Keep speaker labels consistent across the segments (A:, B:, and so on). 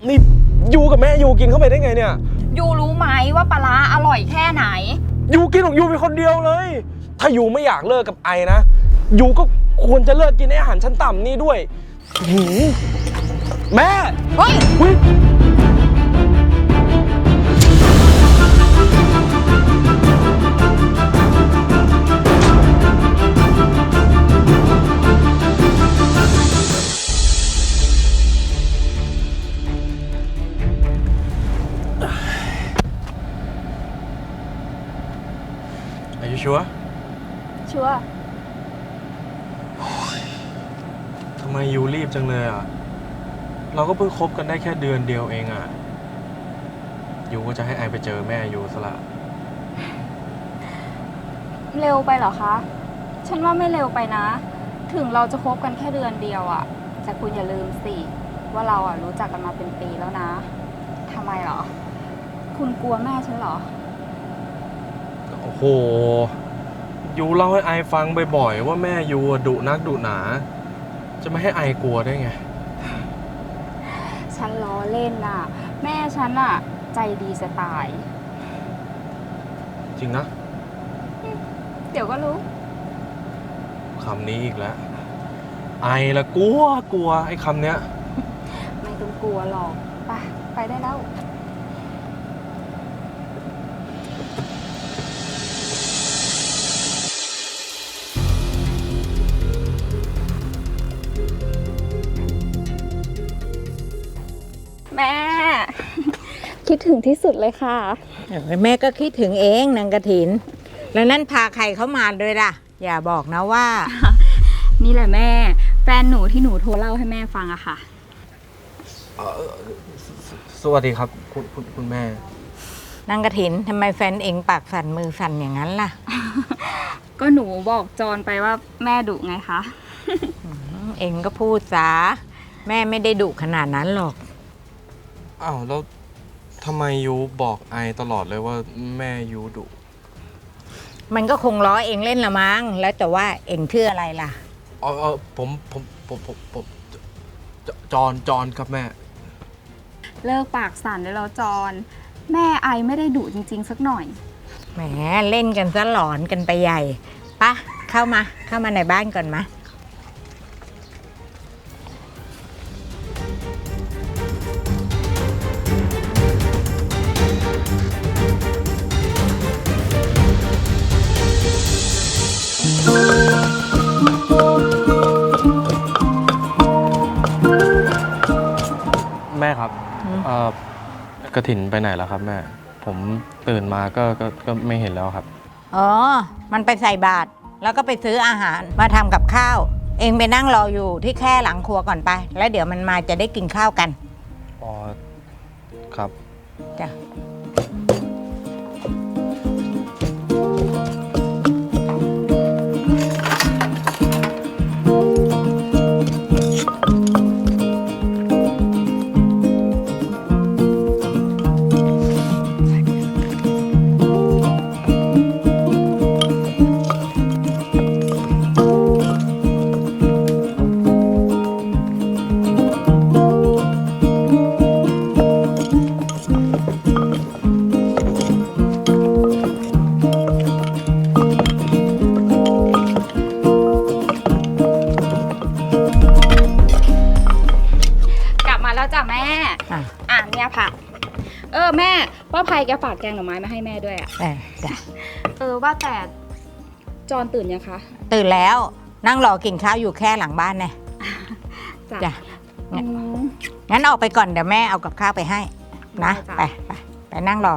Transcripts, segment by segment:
A: นี่ยูกับแม่ยูกินเข้าไปได้ไงเนี่ย
B: ยูรู้ไหมว่าปลาร้าอร่อยแค่ไหน
A: ยูกินของยูเป็นคนเดียวเลยถ้ายูไม่อยากเลิกกับไอนะยูก็ควรจะเลิกกินอาหารชั้นต่ำนี่ด้วยแม่
B: เฮ้ย
A: Are you sure?
B: ชัวร์
A: ทำไมยูรีบจังเลยอ่ะเราก็เพิ่งคบกันได้แค่เดือนเดียวเองอ่ะยูก็จะให้ไอไปเจอแม่ยูซะละ
B: เร็วไปเหรอคะฉันว่าไม่เร็วไปนะ ถึงเราจะคบกันแค่เดือนเดียวอะแต่คุณอย่าลืมสิว่าเราอะรู้จักกันมาเป็นปีแล้วนะทำไมเหรอคุณกลัวแม่ฉันเหรอ
A: โอ้โหยูเล่าให้ไอฟังบ่อยๆว่าแม่ยูดุนักดุหนาจะไม่ให้ไอกลัวได้ไง
B: ฉันล้อเล่นน่ะแม่ฉันอะใจดีจะตาย
A: จริงนะ
B: เดี๋ยวก็รู้
A: คำนี้อีกแล้วไอละกลัวไอ้คำเนี้ย
B: ไม่ต้องกลัวหรอกไปได้แล้วแม่คิดถึงที่สุดเลยค่ะ
C: แม่ก็คิดถึงเองนางกฐินแล้วนั่นพาใครเข้ามาด้วยล่ะอย่าบอกนะว่า
B: นี่แหละแม่แฟนหนูที่หนูโทรเล่าให้แม่ฟังอะค่ะ
A: สวัสดีครับคุณแม่
C: นางกฐินทำไมแฟนเองปากสั่นมือสั่นอย่างนั้นล่ะ
B: ก็หนูบอกจอนไปว่าแม่ดุไงคะ
C: เองก็พูดซะแม่ไม่ได้ดุขนาดนั้นหรอก
A: อ้าวแล้วทำไมยูบอกไอตลอดเลยว่าแม่ยูดุ
C: มันก็คงล้อเองเล่นละมั้งแล้วแต่ว่าเองชื่ออะไรล่ะ
A: ผมจอนครับแม่
B: เลิกปากสั่นได้แล้วจอนแม่ไอไม่ได้ดุจริงๆสักหน่อย
C: แหมเล่นกันซะหลอนกันไปใหญ่ปะเข้ามาในบ้านก่อนมา
A: แม่ครับกฐินไปไหนแล้วครับแม่ผมตื่นมาก็ไม่เห็นแล้วครับ
C: อ๋อมันไปใส่บาตรแล้วก็ไปซื้ออาหารมาทำกับข้าวเองไปนั่งรออยู่ที่แค่หลังครัวก่อนไปแล้วเดี๋ยวมันมาจะได้กินข้าวกัน
A: อ๋อครับ
C: จ้ะ
B: จ้ะแม่เนี่ยผักแม่ป้าภัยแกฝากแกงหน่อไม้มาให้แม่ด้วยอ่ะ
C: จ้ะ
B: ว่าแต่จอนตื่นยังคะ
C: ตื่นแล้วนั่งรอกินข้าวอยู่แค่หลังบ้านไงจ้ะงั้นออกไปก่อนเดี๋ยวแม่เอากับข้าวไปให้นะไปนั่งรอ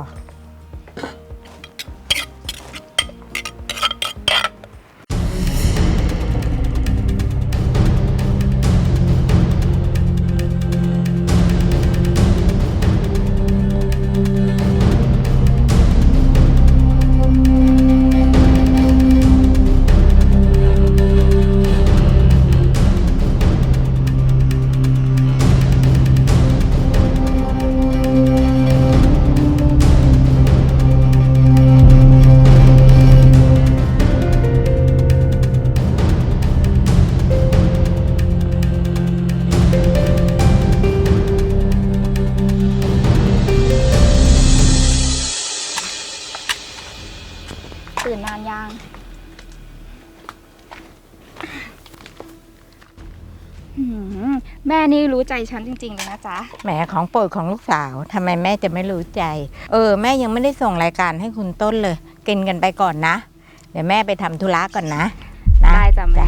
B: แม่นี่รู้ใจฉันจริงๆเลยนะจ๊ะ
C: แหมของโปรดของลูกสาวทำไมแม่จะไม่รู้ใจ แม่ยังไม่ได้ส่งรายการให้คุณต้นเลย กินกันไปก่อนนะ เดี๋ยวแม่ไปทำธุระก่อนนะ
B: ได้จ้ะแม่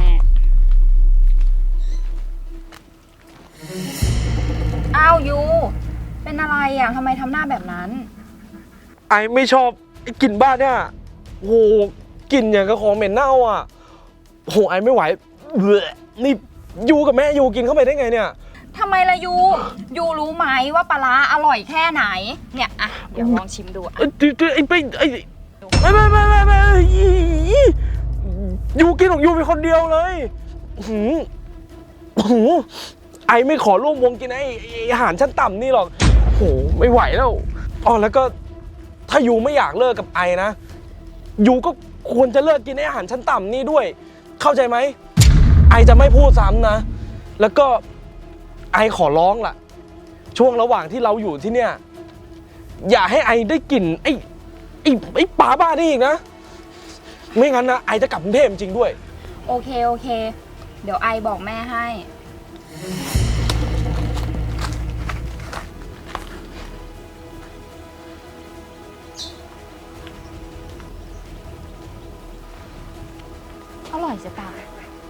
B: อ้าวยู เป็นอะไรอ่ะทำไมทำหน้าแบบนั้น
A: ไอไม่ชอบไอ้กลิ่นบ้านเนี่ยโอ้โหกลิ่นอย่างกับของเหม็นเน่าอ่ะโหไอไม่ไหวเบื่อนี่ยูกับแม่ยูกินเข้าไปได้ไงเนี่ย
B: ทำไมล่ะยูรู้ไหมว่าปลาร้าอร่อยแค่ไหน เนี่ยอ่ะเดี๋ยวลองชิมดูอ่ะ
A: ไอ้ไม่ยูกินของยูเป็นคนเดียวเลยหืมหืมไอไม่ขอร่วมวงกินไอ้อาหารชั้นต่ำนี่หรอกโหไม่ไหวแล้วอ๋อแล้วก็ถ้ายูไม่อยากเลิกกับไอนะยูก็ควรจะเลิกกินไอ้อาหารชั้นต่ำนี่ด้วย เข้าใจไหมไอจะไม่พูดซ้ำนะแล้วก็ไอขอร้องล่ะช่วงระหว่างที่เราอยู่ที่เนี่ยอย่าให้ไอได้กลิ่นไอ้ปลาบ้านี่อีกนะไม่งั้นนะไอจะกลับกรุงเทพจริงด้วย
B: โอเค เดี๋ยวไอบอกแม่ให้ อร่อยจะตาย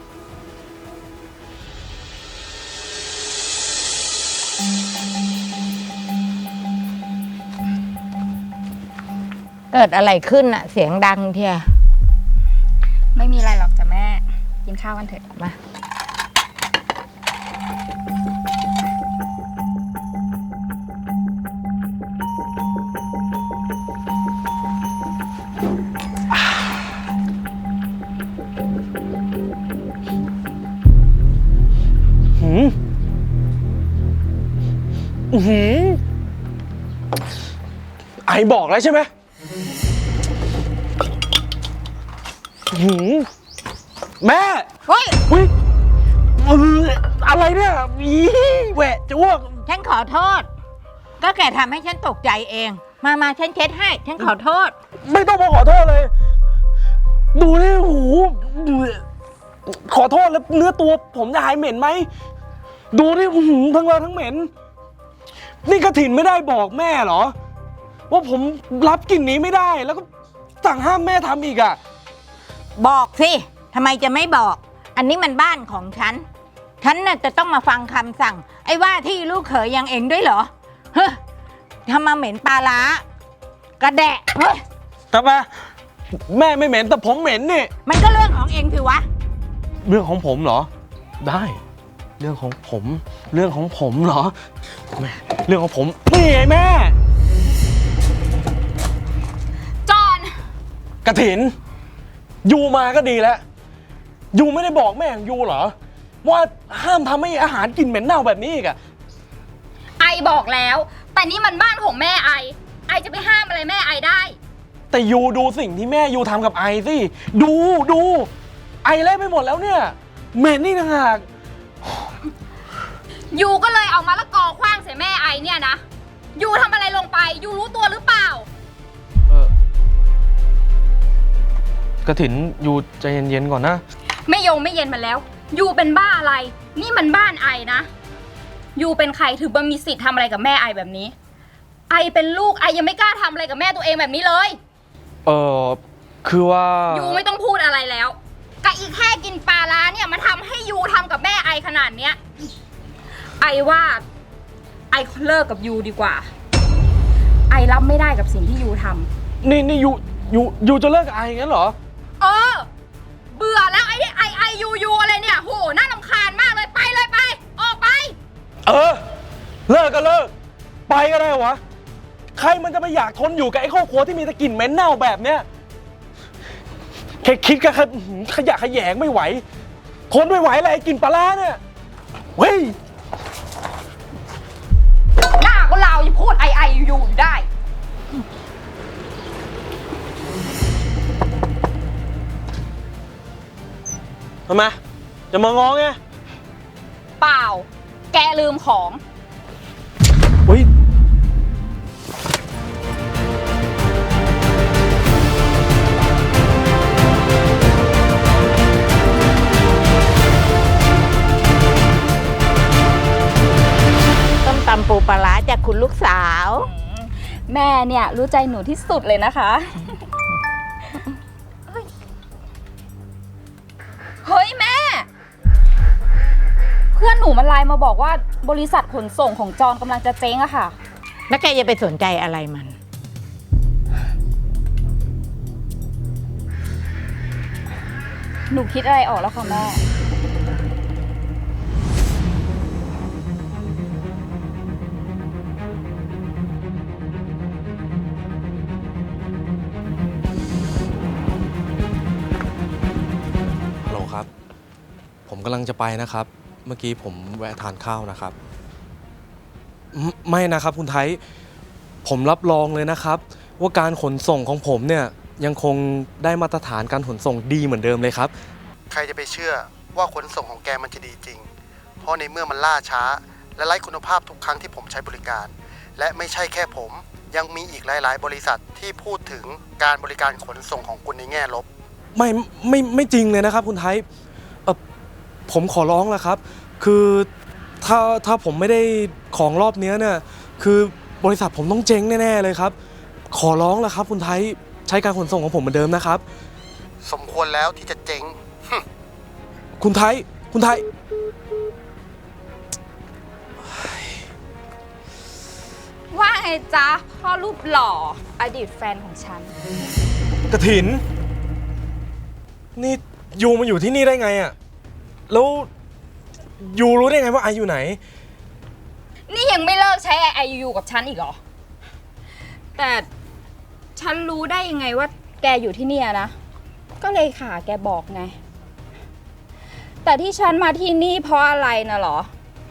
C: เกิดอะไรขึ้นอะเสียงดังเทีย
B: ไม่มีอะไรหรอกจ้ะแม่ กินข้าวกันเถอะ
C: มา
A: หืมหืมไอบอกแล้วใช่ไหมหืมแม่
C: เฮ้ย
A: อุ๊ยอะไรเนี่ยอีแหวะจะอ้วก
C: ฉันขอโทษ ก็แกทำให้ฉันตกใจเอง มาฉันเช็ดให้ ฉันขอโทษ
A: ไม่ต้องมาขอโทษเลย ดูนี่หูขอโทษแล้วเนื้อตัวผมจะหายเหม็นไหม ดูนี่หูทั้งเลอะทั้งเหม็น นี่กระถินไม่ได้บอกแม่เหรอ ว่าผมรับกลิ่นนี้ไม่ได้ แล้วก็สั่งห้ามแม่ทำอีกอ่ะ
C: บอกสิทำไมจะไม่บอก อันนี้มันบ้านของฉัน ฉันน่ะจะต้องมาฟังคำสั่ง ไอ้ว่าที่ลูกเขยยังเองด้วยเหรอ เฮ้ยทำมาเหม็นปลาร้ากระแดะ เฮ้ย
A: ทำไมแม่ไม่เหม็นแต่ผมเหม็นนี่
C: มันก็เรื่องของเองสิวะ
A: เรื่องของผมเหรอ ได้ เรื่องของผม เรื่องของผมเหรอแม่เรื่องของผมนี่ไงแม่
B: จอน
A: กระถินยูมาก็ดีแล้วยูไม่ได้บอกแม่ของยูเหรอว่าห้ามทำให้อาหารกลิ่นเหม็นเน่าแบบนี้อีกอะ
B: ไอบอกแล้ว แต่นี่มันบ้านของแม่ไอจะไปห้ามอะไรแม่ไอได้
A: แต่ยูดูสิ่งที่แม่ยูทำกับไอสิดูไอเละไปหมดแล้วเนี่ยเหม็นนี่ต่างหาก
B: ยูก็เลยเอามะละกอขว้างใส่แม่ไอเนี่ยนะ ยูทำอะไรลงไป ยูรู้ตัวหรือเปล่า
A: กระถินยูใจเย็นๆก่อนนะ
B: ไม่เย็นมาแล้ว ยูเป็นบ้าอะไร นี่มันบ้านไอนะ ยูเป็นใครถึงมามีสิทธิ์ทำอะไรกับแม่ไอแบบนี้ ไอเป็นลูกไอยังไม่กล้าทำอะไรกับแม่ตัวเองแบบนี้เลย
A: คือว่า
B: ยูไม่ต้องพูดอะไรแล้วกะอีแค่กินปลาร้าเนี่ยมาทำให้ยูทำกับแม่ไอขนาดเนี้ย ไอว่าไอเลิกกับยูดีกว่า ไอรับไม่ได้กับสิ่งที่ยูทำ
A: นี่ยูจะเลิกกับไองั้นเหรอ
B: เบื่อแล้วไอ้นี่ไอยูอะไรเนี่ยโหน่ารำคาญมากเลยไปเลยไปออกไป
A: เลิกก็เลิกไปก็ได้วะใครมันจะไปอยากทนอยู่กับไอ้ครอบครัวที่มีแต่กลิ่นเหม็นเน่าแบบเนี้ยแค่คิดก็ขยะแขยงไม่ไหวทนไม่ไหวเลยไอ้กลิ่นปลาร้าเนี่ยเฮ้ย
B: หน้าก็ลาวยังพูดไอยูอยู่ได้
A: ทำไมจะมาง้อไง
B: เปล่า แกลืมของ
A: เฮ้ย
C: ร้าจากคุณลูกสาว
B: แม่เนี่ยรู้ใจหนูที่สุดเลยนะคะ เฮ้ยแม่ เพื่อนหนูมันไลน์มาบอกว่าบริษัทขนส่งของจอนกำลังจะเจ๊งอะค่ะ
C: แล้วแกจะไปสนใจอะไรมัน
B: หนูคิดอะไรออกแล้วค่ะแม่
A: ฮัลโหลครับ ผมกำลังจะไปนะครับ เมื่อกี้ผมแวะทานข้าวนะครับ ไม่นะครับคุณไทย ผมรับรองเลยนะครับ ว่าการขนส่งของผมเนี่ยยังคงได้มาตรฐานการขนส่งดีเหมือนเดิมเลยครับ
D: ใครจะไปเชื่อว่าขนส่งของแกมันจะดีจริง เพราะในเมื่อมันล่าช้า และไร้คุณภาพทุกครั้งที่ผมใช้บริการ และไม่ใช่แค่ผมยังมีอีกหลาย ๆ บริษัทที่พูดถึงการบริการขนส่งของคุณในแง่ลบ
A: ไม่จริงเลยนะครับคุณไทยผมขอร้องแล้วครับ คือถ้าผมไม่ได้ของรอบเนี้ยเนี่ยคือบริษัทผมต้องเจ๊งแน่ๆเลยครับ ขอร้องแล้วครับคุณไทยใช้การขนส่งของผมเหมือนเดิมนะครับ
D: สมควรแล้วที่จะเจ๊ง
A: คุณไทย
B: ว่าไงจ๊ะพ่อรูปหล่ออดีตแฟนของฉัน
A: กระถิน นี่ยูมาอยู่ที่นี่ได้ไงอะแล้วยูรู้ได้ไงว่าไออยู่ไหน
B: นี่ยังไม่เลิกใช้ IIU กับฉันอีกเหรอ แต่ฉันรู้ได้ยังไงว่าแกอยู่ที่เนี่ยนะ ก็เลยค่ะแกบอกไง แต่ที่ฉันมาที่นี่เพราะอะไรนะเหรอ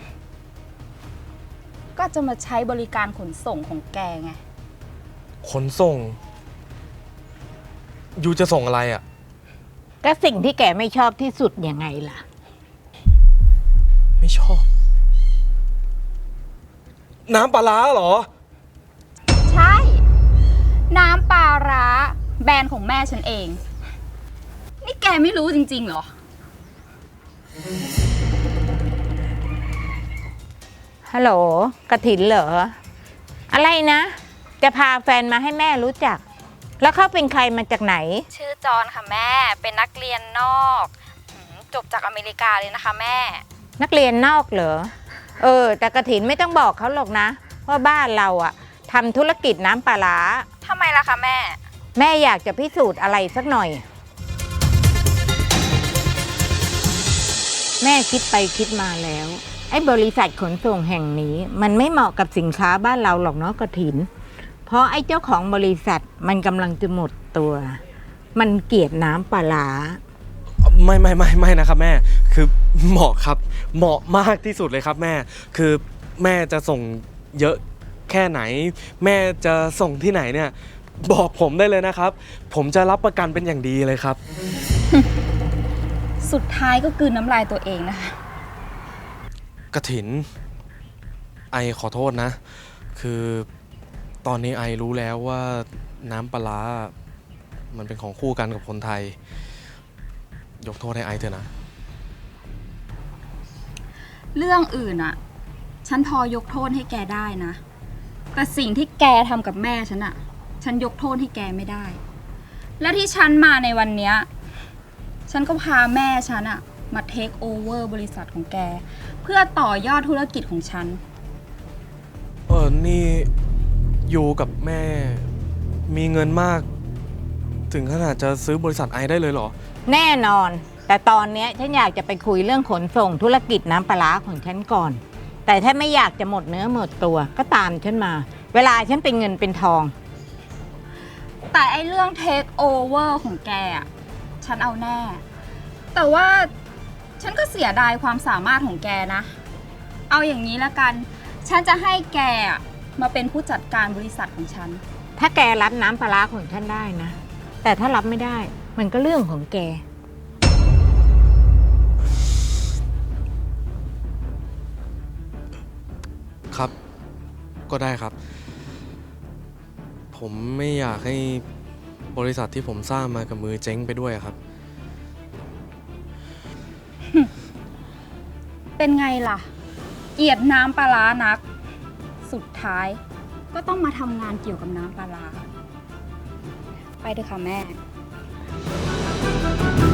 B: ก็จะมาใช้บริการขนส่งของแกไง
A: ขนส่ง ยูจะส่งอะไรอะ
C: ก็สิ่งที่แกไม่ชอบที่สุดยังไงล่ะ
A: ไม่ชอบ น้ำปลาร้าเหรอ
B: ใช่ น้ำปลาร้าแบรนด์ของแม่ฉันเอง นี่แกไม่รู้จริงๆเหรอ
C: ฮัลโหลกระถินเหรอ อะไรนะ จะพาแฟนมาให้แม่รู้จัก แล้วเขาเป็นใครมาจากไหน
B: ชื่อจอนค่ะแม่ เป็นนักเรียนนอกจบจากอเมริกาเลยนะคะแม่
C: นักเรียนนอกเหรอ แต่กระถินไม่ต้องบอกเขาหรอกนะ ว่าบ้านเราอะทำธุรกิจน้ำปลาร้า
B: ทำไมล่ะคะแม่
C: แม่อยากจะพิสูจน์อะไรสักหน่อย แม่คิดไปคิดมาแล้ว ไอ้บริษัทขนส่งแห่งนี้ มันไม่เหมาะกับสินค้าบ้านเราหรอกเนาะกระถิน เพราะไอ้เจ้าของบริษัทมันกำลังจะหมดตัว มันเกลียดน้ำปลาร้า
A: ไม่นะครับแม่ คือเหมาะครับ เหมาะมากที่สุดเลยครับแม่ คือแม่จะส่งเยอะแค่ไหน แม่จะส่งที่ไหนเนี่ย บอกผมได้เลยนะครับ ผมจะรับประกันเป็นอย่างดีเลยครับ
B: สุดท้ายก็กลืนน้ำลายตัวเองนะคะ
A: กระถิน ไอขอโทษนะ คือตอนนี้ไอรู้แล้วว่าน้ำปลาร้ามันเป็นของคู่กันกับคนไทย ยกโทษให้ไอเถอะนะ
B: เรื่องอื่นอะฉันพอยกโทษให้แกได้นะ แต่สิ่งที่แกทำกับแม่ฉันอะฉันยกโทษให้แกไม่ได้ และที่ฉันมาในวันเนี้ยฉันก็พาแม่ฉันอะมาเทคโอเวอร์บริษัทของแก เพื่อต่อยอดธุรกิจของฉัน
A: นี่ยูกับแม่มีเงินมาก ถึงขนาดจะซื้อบริษัทไอได้เลยเหรอ
C: แน่นอน แต่ตอนนี้ฉันอยากจะไปคุยเรื่องขนส่งธุรกิจน้ำปลาร้าของฉันก่อน แต่ถ้าไม่อยากจะหมดเนื้อหมดตัวก็ตามฉันมา เวลาฉันเป็นเงินเป็นทอง
B: แต่ไอเรื่องเทคโอเวอร์ของแกอะฉันเอาแน่ แต่ว่าฉันก็เสียดายความสามารถของแกนะ เอาอย่างนี้ละกัน ฉันจะให้แกอะมาเป็นผู้จัดการบริษัทของฉัน
C: ถ้าแกรับน้ำปลาร้าของฉันได้นะ แต่ถ้ารับไม่ได้มันก็เรื่องของแก
A: ครับ ก็ได้ครับ ผมไม่อยากให้บริษัทที่ผมสร้างมากับมือเจ๊งไปด้วยครับ
B: เป็นไงล่ะ เกลียดน้ำปลาร้านักสุดท้ายก็ต้องมาทำงานเกี่ยวกับน้ำปลาร้าไปเถอะค่ะแม่